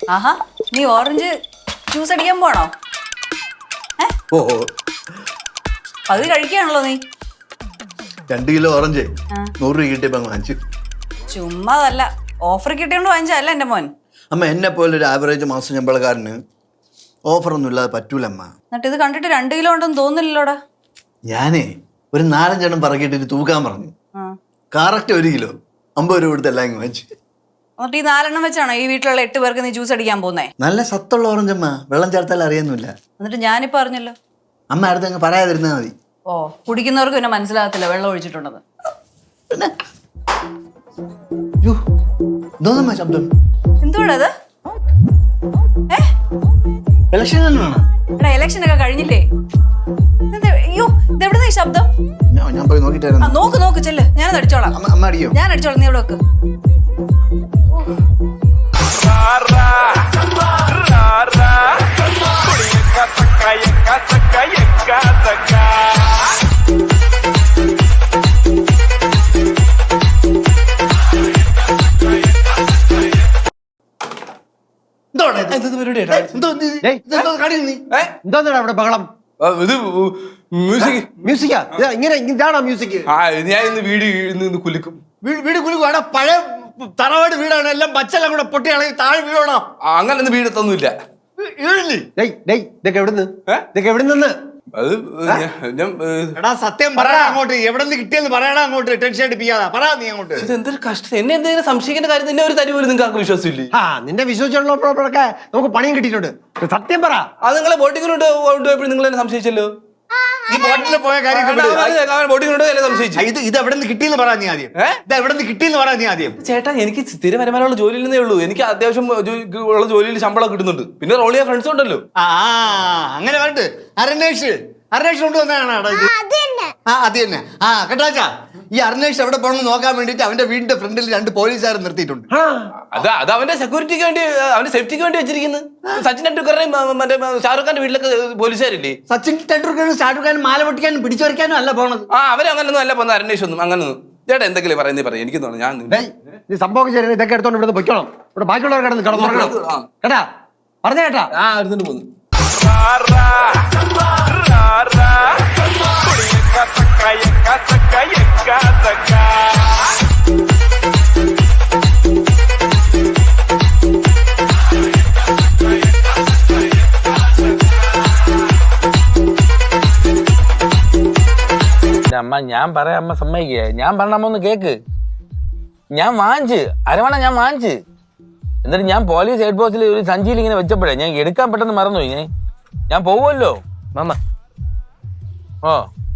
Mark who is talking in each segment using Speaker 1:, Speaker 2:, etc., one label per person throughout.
Speaker 1: ആഹാ നീ orange juice അടിക്കാൻ പോണോ?
Speaker 2: ഓ
Speaker 1: അത് കഴിക്കുകയാണല്ലോ നീ.
Speaker 2: 2 കിലോ ഓറഞ്ച് 100 രൂപ കിട്ടിയപ്പോ വാങ്ങിച്ചു.
Speaker 1: ചുമ്മാതല്ല, ഓഫർ കിട്ടിയോണ്ട് വാങ്ങിച്ചല്ല എന്റെ മോൻ.
Speaker 2: അമ്മ എന്നെ പോലെ ഒരു ആവറേജ് മാസം ശമ്പളക്കാരന് ഓഫറൊന്നും ഇല്ലാതെ പറ്റൂല അമ്മ.
Speaker 1: എന്നിട്ട് ഇത് കണ്ടിട്ട് 2 കിലോ ഉണ്ടെന്ന് തോന്നില്ലല്ലോടാ.
Speaker 2: ഞാനേ ഒരു 4-5 എണ്ണം പറക്കിയിട്ടിട്ട് തൂക്കാൻ പറഞ്ഞു. കറക്റ്റ് 1 കിലോ 50 രൂപ കൊടുത്ത് എല്ലാം വാങ്ങിച്ചു.
Speaker 1: എന്നിട്ട് ഈ 4 എണ്ണം വെച്ചാണോ ഈ വീട്ടിലുള്ള 8 പേർക്ക് നീ ജ്യൂസ് അടിക്കാൻ പോകുന്നേ?
Speaker 2: നല്ല സത്തുള്ള ഓറഞ്ച് അമ്മ, വെള്ളം ചേർത്താൽ അറിയുന്നില്ല.
Speaker 1: എന്നിട്ട് ഞാനിപ്പോ അറിഞ്ഞല്ലോ.
Speaker 2: അമ്മ അടുത്ത് അങ്ങ് പറയാതിരുന്നാ മതി.
Speaker 1: ഓ, കുടിക്കുന്നവർക്ക് പിന്നെ മനസ്സിലാകത്തില്ല വെള്ളം ഒഴിച്ചിട്ടുണ്ടെന്ന്.
Speaker 2: പിന്നെ ശബ്ദം
Speaker 1: എന്തുവാടാ അത്?
Speaker 2: ഇലക്ഷൻ തന്നെയാണ്.
Speaker 1: എടാ ഇലക്ഷൻ ഒക്കെ കഴിഞ്ഞില്ലേ? അയ്യോ ഇതെവിടുന്ന ഈ ശബ്ദം?
Speaker 2: ഞാൻ പോയി നോക്കിട്ടായിരുന്നു.
Speaker 1: നോക്ക് ചെല്ല്, ഞാനത് അടിച്ചോളാം.
Speaker 2: അമ്മ അടിയോ?
Speaker 1: ഞാൻ അടിച്ചോളാം, നീ ഇവിടെ വെക്ക്.
Speaker 3: എന്താ അവിടെ ബഹളം?
Speaker 4: ഇത്
Speaker 3: മ്യൂസിക്കാ? ഇങ്ങനെ ഇതാണോ മ്യൂസിക്?
Speaker 4: ഞാൻ ഇന്ന് വീട് കുലുക്കും.
Speaker 3: വീട് കുലുക്കും. പഴയ തറവാട് വീടാണ്, എല്ലാം പച്ചെല്ലാം കൂടെ പൊട്ടിയാണെങ്കിൽ താഴെ വീഴണോ?
Speaker 4: അങ്ങനെ വീടത്തൊന്നുമില്ല.
Speaker 3: ഇതൊക്കെ എവിടെ നിന്ന്?
Speaker 4: അത്
Speaker 3: എടാ സത്യം പറയടാ അങ്ങോട്ട്, എവിടെ നിന്ന് കിട്ടിയെന്ന് പറയടാ അങ്ങോട്ട്. ടെൻഷൻ അടിപ്പിക്കാതെ പറ നീ അങ്ങോട്ട്.
Speaker 4: എന്തൊരു കഷ്ടം. എന്നെ എന്തെങ്കിലും സംശയിക്കേണ്ട കാര്യം തന്നെ ഒരു തരി പോലും നിങ്ങൾക്ക് വിശ്വാസമില്ലേ?
Speaker 3: നിന്റെ വിശ്വസിച്ചുള്ളപ്പോഴൊക്കെ നമുക്ക് പണിയും കിട്ടിയിട്ടുണ്ട്. സത്യം പറ.
Speaker 4: അത് നിങ്ങളെ ബോട്ടിങ്ങിനോട് കൊണ്ടുപോയപ്പോഴും നിങ്ങൾ എന്നെ സംശയിച്ചല്ലോ.
Speaker 3: ഈ ബോട്ടിൽ പോയ കാര്യം
Speaker 4: ബോട്ടിങ്ങിനോട് എന്നെ സംശയിച്ചു.
Speaker 3: ഇത് എവിടെ നിന്ന് കിട്ടിയെന്ന് പറ നീ ആദ്യം. ഇത് എവിടെ നിന്ന് കിട്ടിയെന്ന് പറ നീ ആദ്യം.
Speaker 4: ചേട്ടാ എനിക്ക് സ്ഥിര വരുമാനമുള്ള ജോലിയിൽ നിന്നേ ഉള്ളൂ. എനിക്ക് അത്യാവശ്യം ഉള്ള ജോലിയിൽ ശമ്പളം കിട്ടുന്നുണ്ട്. പിന്നെ റോൾ ചെയ്യാൻ ഫ്രണ്ട്സ് ഉണ്ടല്ലോ.
Speaker 3: അങ്ങനെ പറഞ്ഞിട്ട് അരണേഷ് കൊണ്ടുവന്നാണ് അത് തന്നെ. കേട്ടാച്ചാ, ഈ അരണേഷ് എവിടെ പോകണമെന്ന് നോക്കാൻ വേണ്ടിട്ട് അവന്റെ വീടിന്റെ ഫ്രണ്ടിൽ 2 പോലീസുകാർ നിർത്തിയിട്ടുണ്ട്.
Speaker 4: അത് അവന്റെ സെക്യൂരിറ്റിക്ക് വേണ്ടി, അവന്റെ സേഫ്റ്റിക്ക് വേണ്ടി വെച്ചിരിക്കുന്നത്. സച്ചിൻ ടെണ്ടുൽക്കറിനെയും മറ്റേ ഷാറുഖ് ഖാന്റെ വീട്ടിലൊക്കെ പോലീസുകാരില്ലേ?
Speaker 2: സച്ചിൻ ടെണ്ടുൽക്കറും ഷാറുഖ് ഖാനും മാല പൊട്ടിക്കാനും പിടിച്ചു വരയ്ക്കാനും അല്ല പോണത്.
Speaker 4: അവരങ്ങനൊന്നും അല്ല പോകുന്നത്. അന്വേഷണം ഒന്നും അങ്ങനൊന്നും. ചേട്ടാ എന്തെങ്കിലും പറയാം. എനിക്ക് തോന്നുന്നു ഞാൻ
Speaker 3: സംഭവം ശരി. ഇതൊക്കെ എടുത്തോണ്ട് ഇവിടെ പൊയ്ക്കണം. ഇവിടെ ബാക്കിയുള്ളവർ കിടന്ന് കിടന്നു കേട്ടാ. പറഞ്ഞ കേട്ടാ.
Speaker 4: എടുത്തോണ്ട് പോകുന്നു.
Speaker 5: അമ്മ ഞാൻ പറയാം, അമ്മ സമ്മതിക്കുക. ഞാൻ പറഞ്ഞ അമ്മ ഒന്ന് കേക്ക്. ഞാൻ വാങ്ങിച്ച് അരവണ ഞാൻ വാങ്ങിച്ച്. എന്നിട്ട് ഞാൻ പോലീസ് ഹെഡ് പോസ്റ്റിൽ ഒരു സഞ്ചിയിൽ ഇങ്ങനെ വെച്ചപ്പോഴേ ഞാൻ എടുക്കാൻ പെട്ടെന്ന് മറന്നു. ഞാൻ പോവുമല്ലോ മാമ. ഓ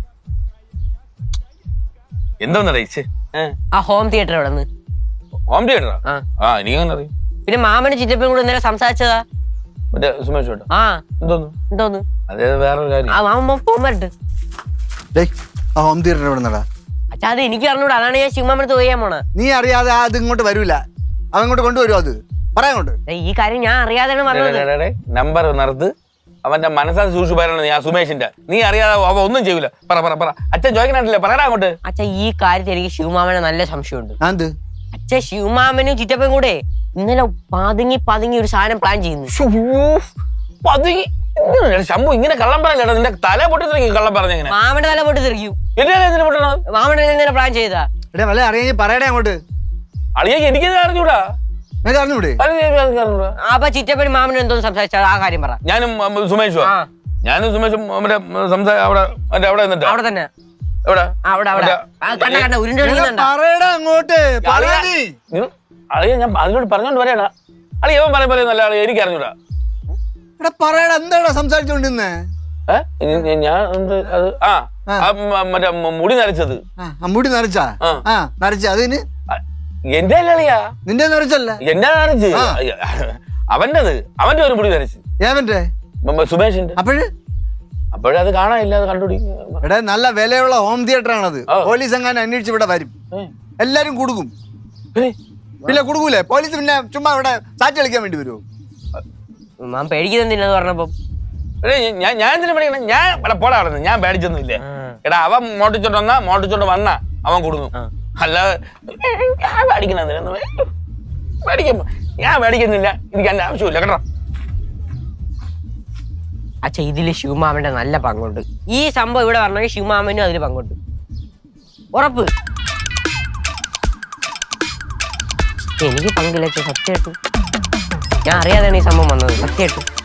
Speaker 5: എന്തോന്ന് അറിയിച്ച്
Speaker 6: ഹോം തിയേറ്റർ എവിടെ?
Speaker 5: ഹോം തിയേറ്ററാ? എനിക്കങ്ങനെ അറിയും.
Speaker 6: പിന്നെ മാമന് ചിറ്റപ്പനും കൂടെ ഇന്നലെ സംസാരിച്ചതാ
Speaker 5: മറ്റേ സുമേഷ് ചേട്ടാ. എന്തോന്ന് അതേ വേറൊരു കാര്യം.
Speaker 6: മാമ ഫോൺ വരട്ട്.
Speaker 2: ഹോം തിയേറ്റർ എവിടെ നിന്നടാ?
Speaker 6: അച്ഛാ അത് എനിക്ക് അറിഞ്ഞൂടാ, അതാണ് ഞാൻ ശിവമാമനത്ത് പോയാ പോണ.
Speaker 2: നീ അറിയാതെ അത് ഇങ്ങോട്ട് വരൂല. അവൻ ഇങ്ങോട്ട് കൊണ്ടുവരുമോ? അത് പറയാങ്ങോട്ട്.
Speaker 6: ഈ കാര്യം ഞാൻ അറിയാതെയാണ് പറഞ്ഞത്.
Speaker 5: നമ്പർ നിർത്ത്. അവന്റെ മനസ്സാൽ സൂക്ഷിച്ചു പറയണത് ആ സുമേഷിന്റെ. നീ അറിയാതെ അവ ഒന്നും ചെയ്യൂല. പറ അച്ഛൻ ചോദിക്കണില്ലേ? പറയടാ അങ്ങോട്ട്.
Speaker 6: അച്ഛാ ഈ കാര്യത്തിൽ എനിക്ക് ശിവമാമനെ നല്ല സംശയമുണ്ട്. അച്ഛൻ ശിവമാമനും ചിറ്റപ്പനും കൂടെ ഇന്നലെ പതുങ്ങി ഒരു സാധനം പ്ലാൻ ചെയ്യുന്നു.
Speaker 5: ശംഭു ഇങ്ങനെ കള്ളം പറയല്ലേടാ. നിന്റെ തല പൊട്ടി തെറിക്കും കള്ളം പറഞ്ഞെങ്ങനെ?
Speaker 6: മാമന്റെ തല പൊട്ടി തെറിക്കും.
Speaker 5: പൊട്ടണത്
Speaker 6: മാമന്റെ ഇന്നലെ പ്ലാൻ ചെയ്താ.
Speaker 2: അറിയാ പറയടേ അങ്ങോട്ട്.
Speaker 5: അളിയ എനിക്കത് അറിഞ്ഞൂടാ.
Speaker 6: അപ്പൊ ചിറ്റപ്പനും മാമനും എന്തോ സംസാരിച്ചാ ആ കാര്യം പറ.
Speaker 5: ഞാനും സുമേഷും അവിടെ
Speaker 6: തന്നെ
Speaker 5: അളിയ ഞാൻ അതിനോട് പറഞ്ഞോണ്ട് പറയടാ. അളിയ അവൻ പറയുന്നല്ല അളിയ എനിക്ക് അറിഞ്ഞൂടാ.
Speaker 2: എന്താ സംസാരിച്ചോണ്ടിരുന്നേ?
Speaker 5: ഞാൻ മറ്റേ മുടി നരച്ചത്.
Speaker 2: മുടി നരച്ചാ? അതിന്
Speaker 5: എന്റെ അല്ലളിയാ.
Speaker 2: നിന്റെ നരച്ചല്ല,
Speaker 5: എന്റെ നരച്ച്. അവന്റെ ഒരു മുടി നരച്ച്.
Speaker 2: ഏവന്റെ?
Speaker 5: സുമേഷിന്റെ. അപ്പോഴത് കാണാനില്ല. അത് കണ്ടുപിടി.
Speaker 2: എടാ നല്ല വിലയുള്ള ഹോം തിയേറ്റർ ആണത്. പോലീസ് എങ്ങാനും അന്വേഷിച്ച് ഇവിടെ വരും. എല്ലാരും കൊടുക്കും. പിന്നെ കൊടുക്കൂലേ പോലീസ്? പിന്നെ ചുമ്മാ ഇവിടെ സാറ്റ് കളിക്കാൻ വേണ്ടി വരുമോ?
Speaker 6: ഞാൻ പേടിക്കുന്നില്ലെന്ന് പറഞ്ഞപ്പോ
Speaker 5: ഞാൻ എന്തിനാ പേടിക്കണം? ഞാൻ പോടാ അവിടെ. ഞാൻ പേടിച്ചൊന്നും ഇല്ലേ. എടാ അവൻ മോട്ടിച്ചോണ്ട് വന്ന അവൻ കൊടുക്കും. അല്ലാതെ പേടിക്കണം. പേടിക്കുമ്പോ ഞാൻ മേടിക്കുന്നില്ല, എനിക്ക് എന്റെ ആവശ്യമില്ല കേട്ടോ.
Speaker 6: അച്ഛ ഇതില് ശിവമാമന്റെ നല്ല പങ്കുണ്ട്. ഈ സംഭവം ഇവിടെ പറഞ്ഞെങ്കിൽ ശിവമാമനും അതിൽ പങ്കുണ്ട്, ഉറപ്പ്. എനിക്ക് പങ്കില്ല അച്ഛൻ, സത്യമായിട്ടും ഞാൻ അറിയാതെയാണ് ഈ സംഭവം വന്നത്, സത്യമായിട്ടും.